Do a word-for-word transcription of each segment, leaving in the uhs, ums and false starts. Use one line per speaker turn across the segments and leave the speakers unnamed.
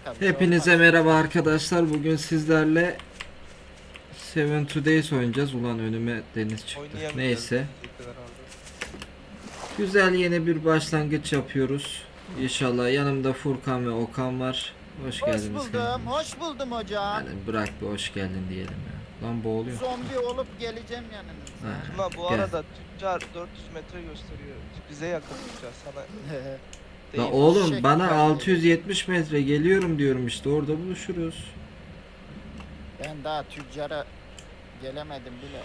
kanka. bir şey
Hepinize
olmaz.
merhaba arkadaşlar. Bugün sizlerle Seven Days oynayacağız. Ulan önüme deniz çıktı.
Oynayamayacağız
Neyse.
diyecekler herhalde.
Güzel yeni bir başlangıç yapıyoruz. İnşallah yanımda Furkan ve Okan var. Hoş,
Hoş
geldiniz.
buldum.
kendiniz.
Hoş buldum hocam.
Yani bırak bir hoş geldin diyelim ya. Lan boğuluyor.
Zombi olup geleceğim yanınıza.
Ha,
Ama bu
gel.
arada tüccar dört yüz metre gösteriyor. Bize yakın tüccar sana
La
değil.
oğlum
Şek
bana
geldi.
altı yüz yetmiş metre geliyorum diyorum işte, orada buluşuruz.
Ben daha tüccara gelemedim bile.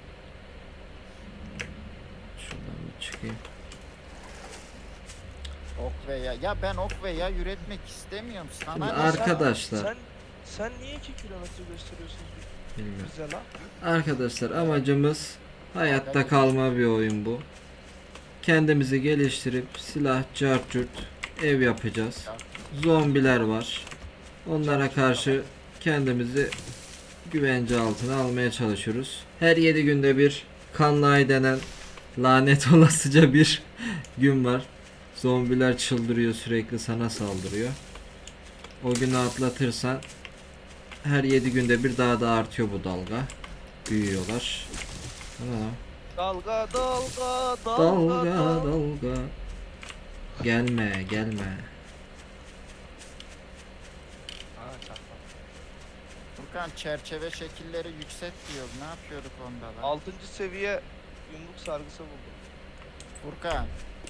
Şuradan bir çıkayım.
Ok ve ya. Ya ben ok ve yay üretmek istemiyorum. Sana
Şimdi
ne?
arkadaşlar.
Sen, sen niye iki kilometre gösteriyorsun
Bilmiyorum.
bize lan?
Arkadaşlar amacımız hayatta kalma bir oyun bu. Kendimizi geliştirip silah, cartürt, ev yapacağız. Zombiler var. Onlara karşı kendimizi güvence altına almaya çalışıyoruz. Her yedi günde bir kanlı ay denen lanet olasıca bir gün var. Zombiler çıldırıyor, sürekli sana saldırıyor. O günü atlatırsan her yedi günde bir daha da artıyor bu dalga. Büyüyorlar. Tamam.
Dalga dalga dalga
Dalga
dalga.
dalga. Gelme gelme.
Aa, çakma.
Furkan çerçeve şekilleri yükselt diyor. Ne yapıyorduk onda da?
Altıncı seviye yumruk sargısı buldum.
Furkan.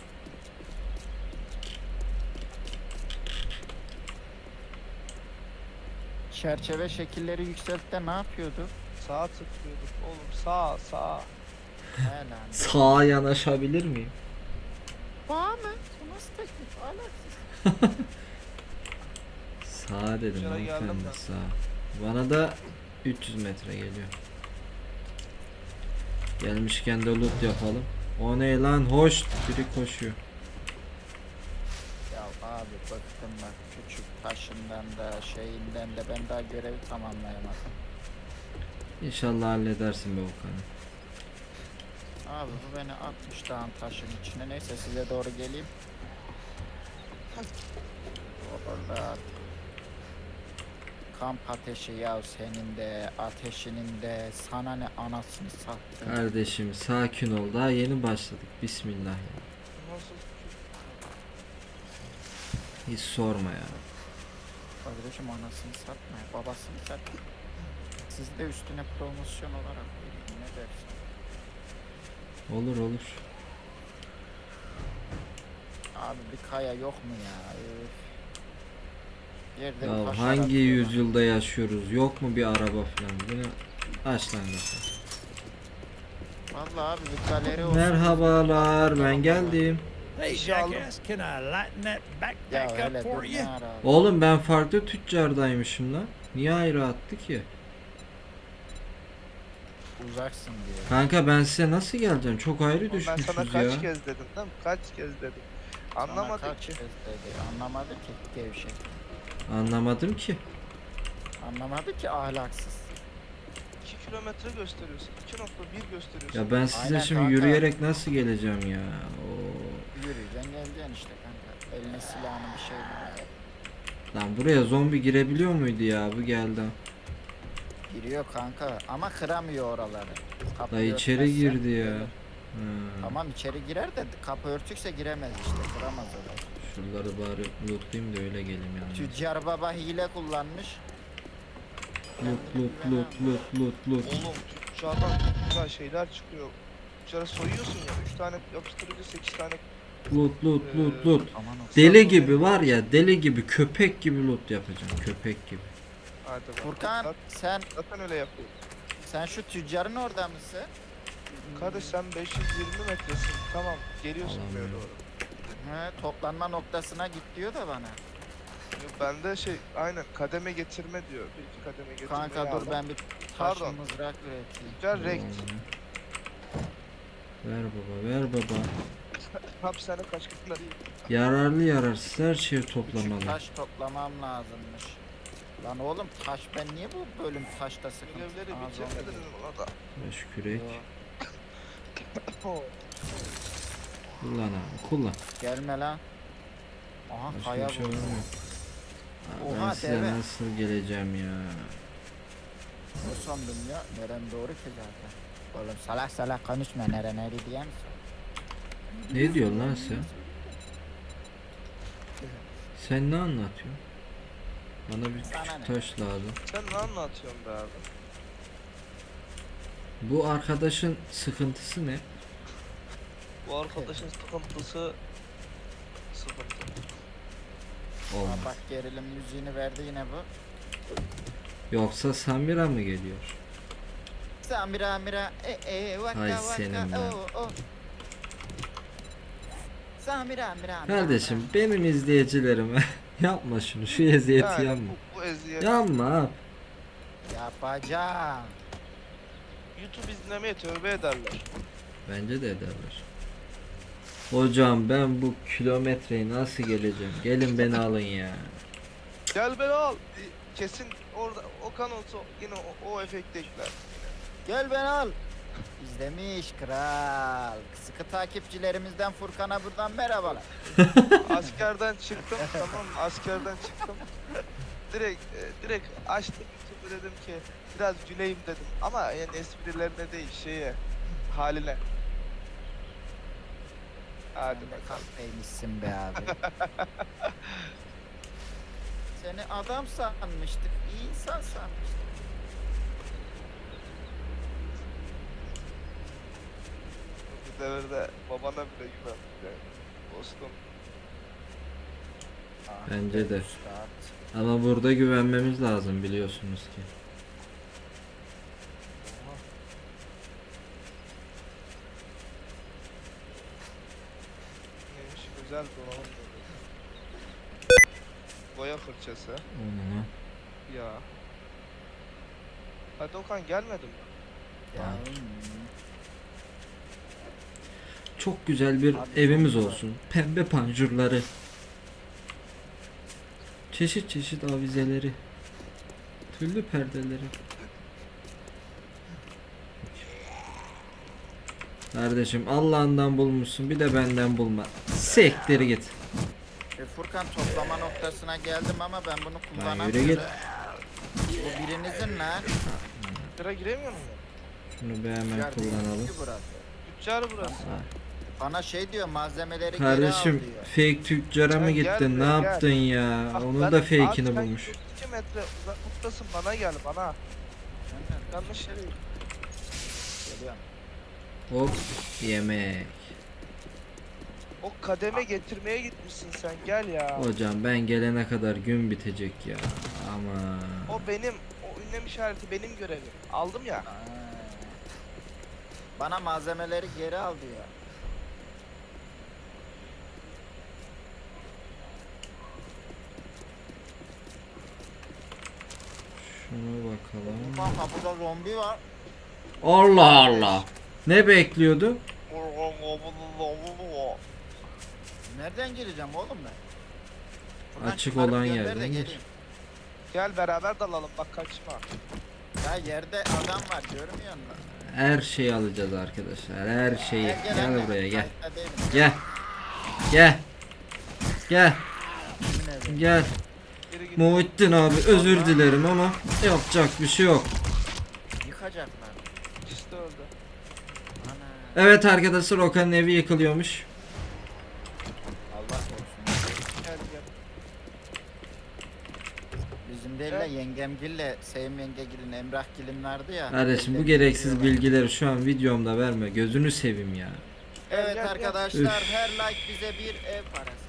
Çerçeve şekilleri yükseltte ne yapıyorduk?
Sağa tıklıyorduk oğlum, sağ sağ.
He lan.
Sağa yanaşabilir miyim?
Bana mı? Bu nasıl teklif? Alaksız.
Sağ dedim
Şuna geldim
hanımefendi,
ben.
sağ. Bana da üç yüz metre geliyor. Gelmişken de loot yapalım. O ne lan, hoş biri koşuyor.
Ya abi bıktım bak, küçük taşından da şeyinden de ben daha görevi tamamlayamadım.
İnşallah halledersin be Okan.
Abi bu beni atmış dağın taşın içine. Neyse size doğru geleyim. Orada kamp ateşi ya, senin de ateşinin de, sana ne anasını sattın.
Kardeşim sakin ol, daha yeni başladık. Bismillah ya.
Nasıl?
Hiç sorma ya.
Kardeşim anasını satma, babasını satma. Siz de üstüne promosyon olarak verin, ne dersin?
Olur olur.
Abi bir kaya yok mu ya? Üf. Yerde bir
Ya
taş
hangi
aratıyorlar.
yüzyılda yaşıyoruz? Yok mu bir araba falan? Bunu aç lan mesela.
Vallahi abi bir galeri olsun.
Merhabalar, ben geldim.
Hey,
İşe aldım.
jackass, can I lighten that
Ya
backpack
hele
up for
dur
you?
ne ara abi.
Oğlum ben farklı tüccardaymışım lan. Niye ayrı attı ki?
Uzaksın diye.
Kanka ben size nasıl geleceğim? Çok ayrı
Oğlum ben sana
düşmüşüz
kaç
ya.
kez dedim değil mi? Kaç kez dedim.
Sana
Anlamadık
kaç
ki.
kez dedi. Anlamadı ki gevşek.
Anlamadım ki.
Anlamadı ki ahlaksız.
iki kilometre gösteriyorsun. iki nokta bir gösteriyorsun.
Ya ben size
Aynen
şimdi
kanka.
yürüyerek nasıl geleceğim ya? Oo.
Yürüyeceksin geleceksin işte kanka. Eline silahını bir şey var.
Lan buraya zombi girebiliyor muydu ya? Bu geldi.
Giriyor kanka ama kıramıyor oraları. Kapı
Da içeri
örtmezse
girdi ya.
gelir.
Ha.
Tamam içeri girer de kapı örtükse giremez işte, kıramaz orayı.
Şuraları bari lootlayayım da öyle geleyim yani.
Tüccar baba hile kullanmış.
Loot loot loot loot loot loot.
Oğlum tüccardan güzel şeyler çıkıyor. Tüccara soyuyorsun ya. üç tane yapıştırıcı, sekiz tane.
Loot loot loot loot.
Aman o.
Deli gibi var ya, deli gibi, köpek gibi loot yapacağım, köpek gibi.
Hadi bak.
Furkan
Zaten,
sen
zaten öyle yapıyor.
sen şu tüccarın orada mısın?
Kardeş sen beş yüz yirmi metresin. Tamam. Geliyorsun
Allah'ım
buraya
ya.
doğru.
He, toplanma noktasına git diyor da bana.
Yok, bende şey aynen kademe getirme diyor. Bir iki kademe getirme.
Kanka dur ben bir taş
Pardon.
mızrak üreteyim.
Tüccar rekt.
Ver baba, ver baba.
Hapishane kaçkınları.
Yararlı yararsız her şeyi
Küçük
toplamalı.
taş toplamam lazımmış. Lan oğlum taş, ben niye bu bölüm taşta sıkıntı?
Görevleri
Aa,
bitirmedin
zombi.
mi ona da?
Beş kürek.
Yo,
Oh.
Kullan abi, kullan.
gelme lan. Aha
Başka
kaya
bir şey
bu.
var mı? Aa, ben
Oha,
size
deve.
nasıl geleceğim ya?
Ne sandım ya? Neren doğru ki zaten. Oğlum salak salak konuşma, nere nere diye misin?
Ne diyorsun lan sen? Sen ne anlatıyorsun? Bana bir
Sana
küçük
ne?
taş lazım.
Sen ne anlatıyorsun be abi?
Bu arkadaşın sıkıntısı ne?
Bu arkadaşın sıkıntısı sıkıntı.
Aa,
Olmaz.
bak gerilim müziğini verdi yine bu.
Yoksa Samira mı geliyor?
Samira mira e e vaka
Hay
vaka
senin ben.
o o. Samira mira mira.
Kardeşim benim izleyicilerime yapma şunu, şu eziyeti
Yani
yapma.
bu, bu eziyet.
Yapma.
Yapacağım.
YouTube izlemeye tövbe ederler.
Bence de ederler. Hocam ben bu kilometreyi nasıl geleceğim? Gelin beni alın ya.
Gel beni al. E, Kesin orada Okan olsa yine o, o efekti ekler.
Gel ben al. İzlemiş kral. Sıkı takipçilerimizden Furkan'a buradan merhabalar.
Askerden çıktım tamam mı? Askerden çıktım. Direkt e, direkt açtım YouTube'u, dedim ki biraz güleyim dedim. Ama yani esprilerine değil, şeye, haline. Hadi
Sen de
bakalım.
kahpeymişsin be abi. Seni adam sanmıştık. İyi insan sanmıştık.
Bu devirde babana bile güven. Yani, dostum.
Ah
Bence
be
de.
üstad.
Ama burada güvenmemiz lazım biliyorsunuz ki.
Neymiş? Güzel donanım dedi. Boya fırçası.
Onu.
Ya. Hadi Okan gelmedi mi?
Ya,
Tamam.
hmm.
Çok güzel bir
Abi,
evimiz
çok
olsun. Pembe panjurları. Çeşit çeşit avizeleri. Tüllü perdeleri. Kardeşim Allah'ından bulmuşsun, bir de benden bulma. Sektir git.
E, Furkan toplama noktasına geldim ama ben bunu
yürü
kullanamıyorum.
git.
Bu birinizin lan.
Sıra giremiyor mu?
Şunu bir hemen
Tüccar değil
kullanalım.
ki burası.
Tüccar burası.
Ha.
Bana şey diyor, malzemeleri
Kardeşim
geri al diyor.
fake tüccara mı
Sen
gittin?
gel
Ne
buraya, gel.
yaptın ya?
Ah,
Onun
ben-
da
abi
fake'ini
sen
bulmuş.
iki metre uzaklıktasın, bana gel bana. Yanlış yere git.
Geliyorum.
Hop yemek.
O kademe getirmeye gitmişsin sen, gel ya.
Hocam ben gelene kadar gün bitecek ya. Ama
O benim, o ünlem işareti benim görevim. Aldım ya.
Aa. Bana malzemeleri geri al diyor.
şuna bakalım.
Furkan kapıda zombi var.
Allah Allah. Ne bekliyordun?
Nereden gireceğim oğlum ben? Furkan
Açık
çıkarıp
olan
gönder
yerden
de
gir.
geleyim.
Gel beraber dalalım, bak kaçma.
Ya yerde adam var, görmüyor musun?
Her şeyi alacağız arkadaşlar. Her şeyi.
Gel, gel
Gel
anne.
buraya gel.
Kayıtta değilim.
Gel. Gel. Gel.
Kimin evi?
Gel.
Geri git.
Muhittin abi özür dilerim ama yapacak bir şey yok.
Yıkacaklar.
İşte öldü.
Ana.
Evet arkadaşlar, Okan'ın evi yıkılıyormuş.
Allah korusun.
Gel gel.
Bizim değil de
Evet.
yengemgille, Sevim yengegilin, Emrahgilin vardı ya.
Kardeşim bu
Ellerini
gereksiz
yıkıyorlar.
bilgileri şu an videomda verme. Gözünü seveyim ya.
Gel,
Evet
gel, gel.
arkadaşlar,
Üf.
her like bize bir ev parası.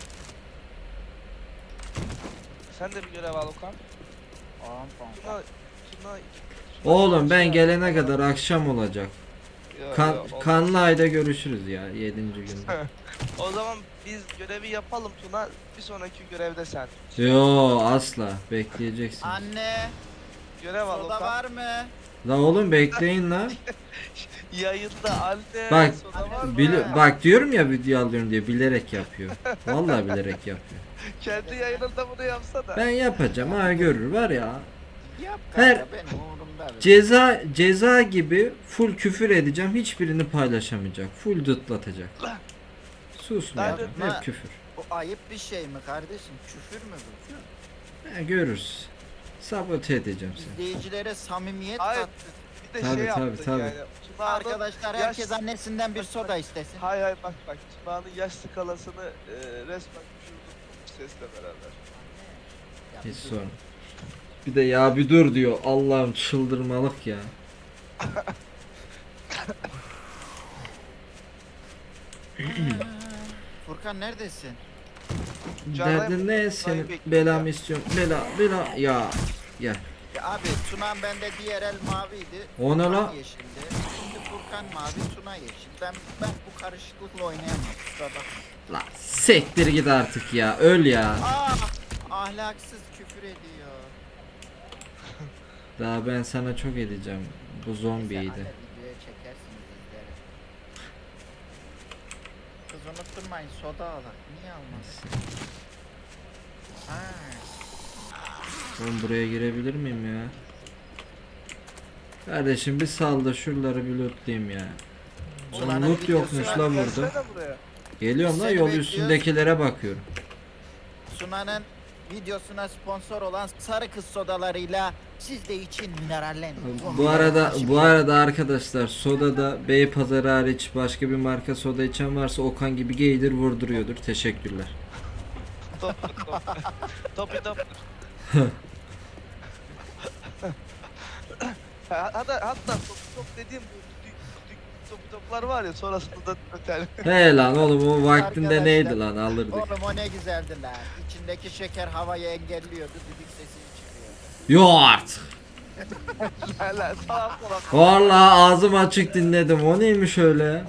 Sen de bir görev al Okan.
Pam pam
Tuna,
pam.
Tuna, Tuna
Oğlum ben
şey
gelene
yap.
kadar akşam olacak.
Yo,
Kan,
yo, olmaz.
kanlı ayda görüşürüz ya yedinci günde.
O zaman biz görevi yapalım Tuna. Bir sonraki görevde sen.
Yo asla bekleyeceksin.
Anne,
Görev al
soda
Okan.
var mı?
La oğlum bekleyin la.
Yayında anne.
Bak,
soda var mı?
Bili- bak diyorum ya video alıyorum diye bilerek yapıyor. Vallahi bilerek yapıyor.
Kendi yayınında bunu yapsana.
Ben yapacağım ha görür var ya.
Yap
Her-
kanka, benim umurumda. be.
Ceza ceza gibi full küfür edeceğim. Hiçbirini paylaşamayacak. Full dıtlatacak. Susmayacak.
Yapma.
Hep küfür.
Bu ayıp bir şey mi kardeşim? Küfür mü bu?
Ha, görürüz. Sabote edeceğim seni.
İzleyicilere samimiyet
Hayır.
kattı.
Bir de
Tabii,
şey
tabii,
yaptın
tabii.
yani. Tunağan'ın
Arkadaşlar
yaş-
herkes annesinden bir soda istesin.
Hay hay bak bak. Tunağan'ın yaş skalasını e, resmen düşürdüm bu sesle beraber.
Ya
Hiç
bir dur.
sorun. Bir de ya bir dur diyor. Allah'ım çıldırmalık ya.
Furkan neredesin?
Canım,
Derdin ne senin?
bekliyor
Belamı
ya.
istiyorum. Bela bela ya. Gel.
Ya abi Tuna bende diğer el maviydi.
O ne
Furkan
la?
yeşildi. Şimdi Furkan mavi, Tuna yeşil. Ben ben bu karışıklıkla oynayamam. Kusura bakma.
La sektir git artık ya. Öl ya.
Aa, ahlaksız küfür ediyor.
Daha ben sana çok edeceğim. Bu
Neyse,
zombiydi.
anne videoya çekersiniz izlerim. Kız unutturmayın soda alak. Niye almadın? Ha.
Ben buraya girebilir miyim ya? Kardeşim bir sal da şuraları bir lootlayayım ya.
Ulan
Lan
hani
loot yokmuş
videosuna-
la burada.
Gelsene buraya.
Geliyorum
Biz
la
seni
yol
bekliyoruz.
üstündekilere bakıyorum.
Suna'nın videosuna sponsor olan Sarı Kız sodalarıyla siz de için minerallenin.
Bu arada bu arada arkadaşlar sodada Beypazarı hariç başka bir marka soda içen varsa Okan gibi geydir vurduruyordur. Teşekkürler.
Top top. Topi top. Ha- Hatta hatta top top dediğim bu dük, dük, topi toplar var ya sonrasında da öter.
He lan oğlum o vaktinde
Arkadaşlar,
neydi lan alırdık.
Oğlum o ne güzeldi lan. İçindeki şeker havayı engelliyordu. Düdük sesi çıkıyordu.
Yo artık.
Hala salak salak.
Vallahi ağzım açık dinledim. O neymiş öyle ya?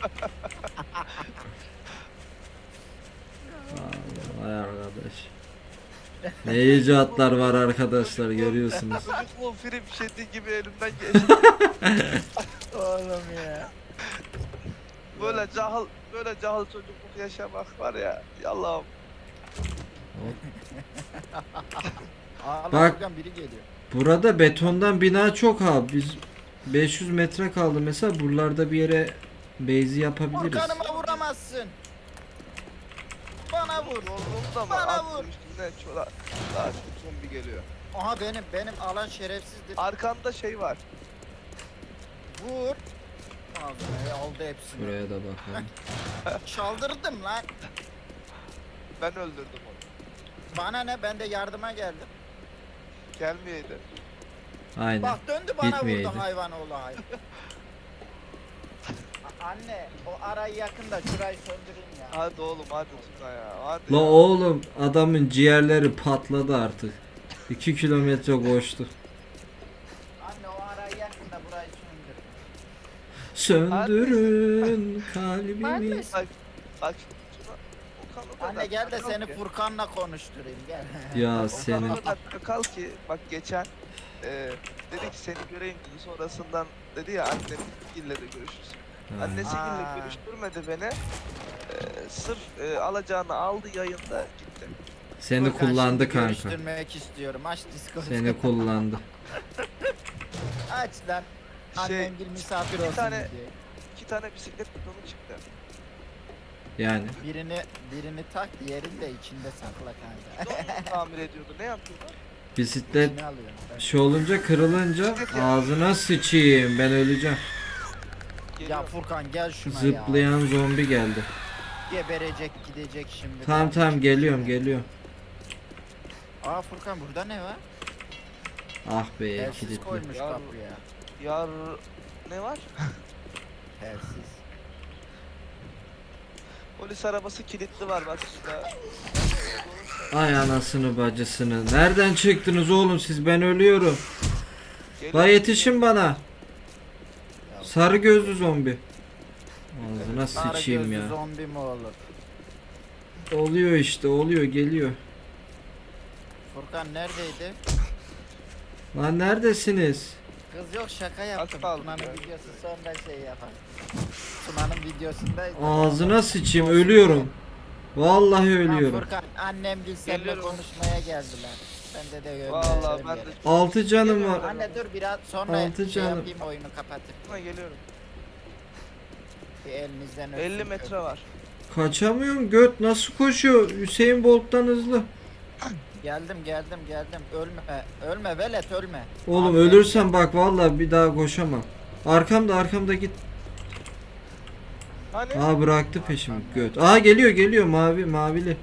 Vay arkadaş. Ne icatlar var arkadaşlar görüyorsunuz.
Çocukluğun film şedi gibi elimden geçti.
Oğlum ya.
Böyle cahil böyle cahil çocukluk yaşamak var ya. Yallahım.
Ağla
Bak.
Furkan biri geliyor.
Burada betondan bina çok abi. Biz beş yüz metre kaldı mesela buralarda bir yere base'i yapabiliriz.
Furkan'ıma vuramazsın. Bana vur.
Yorgunum da mı?
Bana
At
vur.
üstüne çola. Daha çok zombi geliyor.
Aha benim benim alan şerefsizdir.
Arkanda şey var.
Vur. Ağzına aldı hepsini.
Buraya da bakalım.
Çaldırdım lan.
Ben öldürdüm onu.
Bana ne, ben de yardıma geldim.
Gelmeyeydi.
Aynen.
Bak döndü bana
Gitmeyeydi.
vurdu hayvan oğlu hayvan. A- Anne o arayı yakında şurayı söndüreyim ya.
Hadi oğlum hadi Tuna ya. Hadi.
La
ya.
oğlum adamın ciğerleri patladı artık. iki kilometre koştu.
Anne o arayı yakında burayı söndür.
Söndürün kalbimi.
Bak bak Tuna. Okan o kadar
Anne gel de
çakal
seni
ki.
Furkan'la konuşturayım gel.
Ya
Okan
senin.
o kadar çakal ki bak geçen e, dedi ki seni göreyim dedi sonrasından dedi ya annesiyle de görüşürsün.
Ha.
Annesiyle
Aa.
görüştürmedi beni. E, sırf e, alacağını aldı yayında gitti.
Seni
Furkan,
kullandı
şimdi
kanka.
Görüştürmek istiyorum. Aç Discord.
Seni kullandı.
Aç lan.
Şey,
Annem gel misafir
bir
olsun
tane-
diye.
İki tane bisiklet bidonu çıktı.
Yani.
Birini birini tak, diğerini de içinde sakla kanka.
Bidon mu tamir ediyordu? Ne yapıyordu?
Bisiklet
İçine alıyorum ben.
şey olunca kırılınca ağzına sıçayım ben öleceğim.
Ya
Geliyor.
Furkan gel şuna ya.
Zıplayan zombi geldi.
Geberecek gidecek şimdi.
Tamam
Ben
tamam
hiçbir
geliyorum
şey-
geliyorum.
Aa Furkan burada ne var?
Ah be
Telsiz
kilitli.
koymuş
Ya-
kapıya.
Yar ne var?
Telsiz.
Polis arabası kilitli var bak şurada.
Ay anasını bacısını. Nereden çıktınız oğlum siz ben ölüyorum.
Geliyor.
La yetişin bana.
Ya,
Sarı gözlü zombi. Ağzına
sarı
sıçayım
gözlü
ya.
zombi mi olur?
Oluyor işte oluyor geliyor.
Furkan neredeydi?
Lan neredesiniz?
Kız yok şaka yaptım.
kaldı
Tuna'nın
ya.
videosu sonra şey yapar. Tuna'nın videosundaydı.
Ağzına sıçayım ölüyorum. Vallahi
Lan
ölüyorum.
Furkan annem gel seninle
Geliyorum.
konuşmaya geldiler. Ben de de
Vallahi ben de
Altı canım var.
Anne dur biraz sonra
Altı
şey
canım.
yapayım oyunu kapatır.
Buna geliyorum.
Bir elinizden öpsün.
elli metre var.
Kaçamıyorum göt nasıl koşuyor? Hüseyin Bolt'tan hızlı.
Geldim geldim geldim. Ölme. Ölme velet ölme.
Oğlum
Abi,
ölürsen bak vallahi bir daha koşamam. Arkamda arkamda git.
Hani?
Aa bıraktı peşimi göt. Aa geliyor geliyor mavi mavili.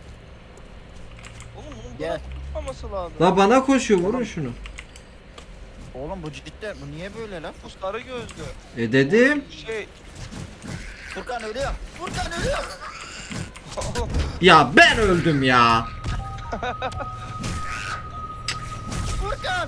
Oğlum bunun
Gel.
bana tutmaması lazım.
La bana koşuyor vurun şunu.
Oğlum bu cidden bu niye böyle lan?
Bu sarı gözlü.
E dedim.
Şey.
Furkan ölüyor. Furkan ölüyor.
Ya ben öldüm ya.
Furkan.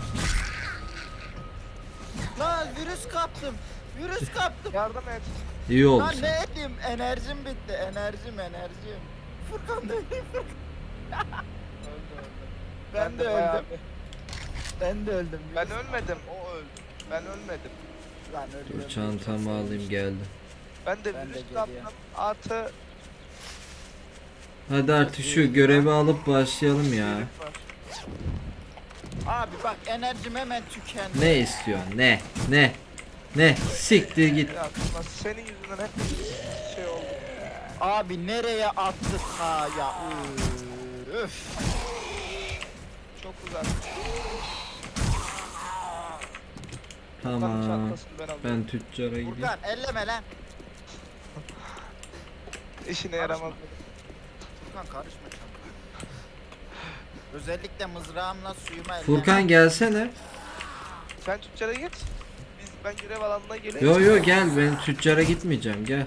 Lan virüs kaptım. Virüs kaptım.
Yardım et.
İyi oldu.
Lan ne edeyim? Enerjim bitti. Enerjim enerjim. Furkan da ölüyor.
Öldü öldü.
Ben de
bayağı
öldüm.
bir-
Ben de öldüm.
Ben ölmedim. O öldü. Ben ölmedim.
Lan ölüyorum.
Dur çantamı alayım geldi.
Ben de
Ben de
virüs
geliyor.
kaptım. Artı
Hadi artık şu görevi alıp başlayalım ya.
virüs var.
Abi bak enerjim hemen tükendi.
Ne istiyorsun? Ne? Ne? Ne? Siktir git.
Ya nasıl senin yüzünden hep şey oldu.
Abi nereye attık ha ya? Üf.
Çok uzak.
Tamam.
Çantasını ben alayım.
Ben tüccara gideyim.
Furkan elleme lan.
İşine yaramaz.
Furkan karışma çabuk. Özellikle mızrağımla suyuma elleme.
Furkan gelsene.
Sen tüccara git. Biz ben görev alanına geleyim.
Yo yo gel ben tüccara gitmeyeceğim gel.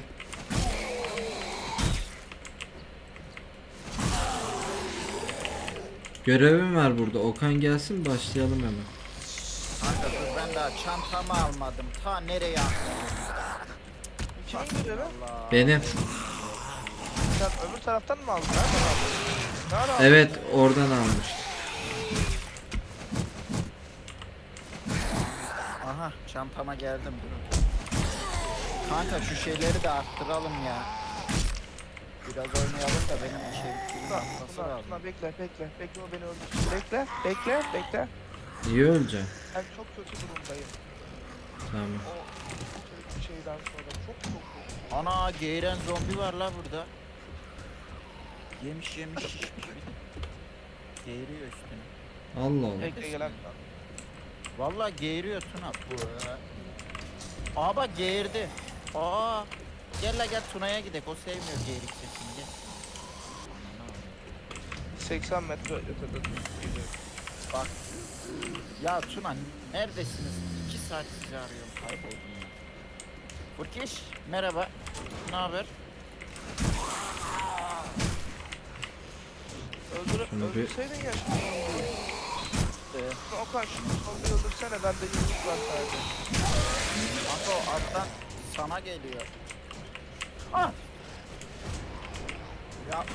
Görevim var burada. Okan gelsin başlayalım hemen.
Kanka dur ben daha çantamı almadım. Ta nereye attım?
Kimin görevi?
Allah.
Benim.
Sen öbür taraftan mı aldın? Nereden aldın? Nereden aldın?
Evet oradan almış.
Aha çantama geldim dur. Kanka şu şeyleri de arttıralım ya. Biraz oynayalım da benim bir şey
Tuna,
atması
Tuna,
lazım.
Tuna bekle bekle. Bekle o beni öldürsün. Bekle bekle bekle.
İyi öleceğim.
Ben çok kötü durumdayım.
Tamam.
O şeyden sonra çok çok kötü.
Ana geğiren zombi var la burada. Yemiş yemiş şişmiş bir de. Geğiriyor üstüne.
Allah Allah.
Bekle gelen.
Vallahi geğiriyor Tuna. Aa bak geğirdi. Aa. Gel la gel Tuna'ya gidek. O sevmiyor geğirik sesini gel.
seksen metre ötede gidiyor.
Bak. Ya Tuna neredesiniz? İki saat sizi arıyorum kayboldum ya. Furkiş merhaba. Ne haber?
Öldür,
Şunu bir-
öldürseydin ya şu zombiyi.
Ee,
Okan şu zombiyi öldürsene bende yumruk var sadece.
kanka o alttan sana geliyor. Ah! Ya.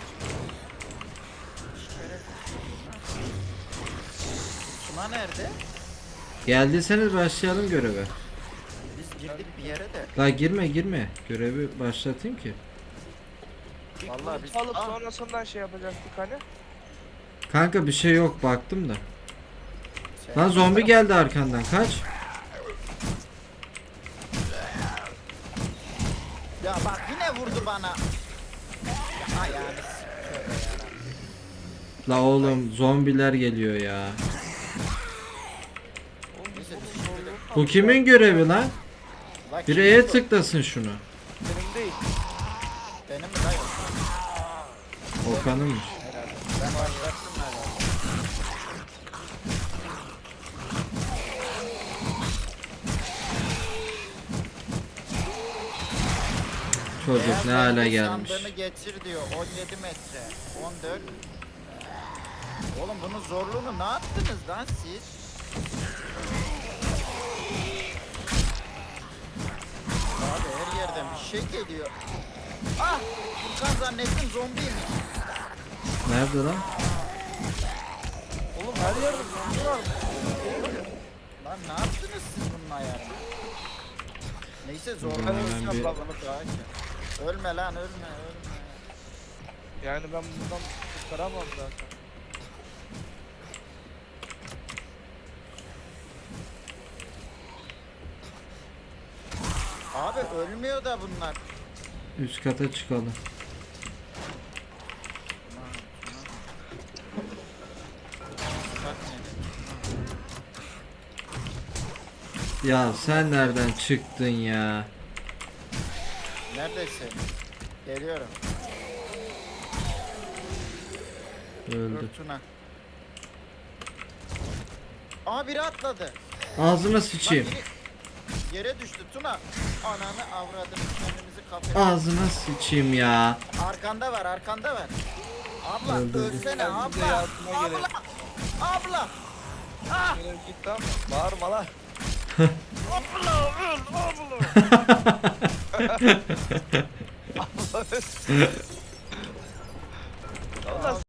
Şeref. Tuna nerede?
Geldiyseniz başlayalım göreve.
Biz girdik bir yere de.
La girme girme. Görevi başlatayım ki.
Vallahi biz...
Alıp
Ah!
sonrasından şey yapacaktık hani.
Kanka bir şey yok baktım da.
Sen-
Lan zombi geldi arkandan kaç.
Ya bak yine vurdu bana. Ya yani.
La oğlum zombiler geliyor ya.
Oğlum biz
Neyse,
bunun
biz şimdi de-
zorluğunu
Bu kimin görevi lan?
Bak
Bir
şimdi
E'ye
bu-
tıklasın şunu.
Benim değil.
Benim mi dayı?
Okan'ınmış.
Herhalde. Ben başlattım herhalde.
Çocuk
Beyaz
ne hale
zombi
gelmiş.
sandığını getir diyor. on yedi metre. on dört. Oğlum bunun zorluğunu ne yaptınız lan siz? Abi her yerden bir şey geliyor. Ah! Furkan zannettim zombiymiş.
Nerede lan?
Oğlum her yerde zombi var.
Lan ne yaptınız siz bunun ayarını? Neyse
Bunu
zorluğunu
hemen
yapalım
bir-
bunu daha iyi. Ölme lan ölme ölme.
Yani ben buradan kurtaramam zaten.
Abi ölmüyor da bunlar.
Üst kata çıkalım. Ya sen nereden çıktın ya?
Neredesin? Geliyorum.
Öldü.
Dur Tuna. Aa biri atladı.
Ağzına
Lan
sıçayım.
biri yere düştü Tuna. Ananı avradım, kendimizi kafaya.
Ağzına sıçayım ya.
Arkanda var, arkanda var. Abla
Öldürdü.
ölsene
Gel bize
abla.
yardıma
Abla.
gelelim.
Abla. Ah.
Görev gitti ama bağırma lan.
Abla öl abla.
Allah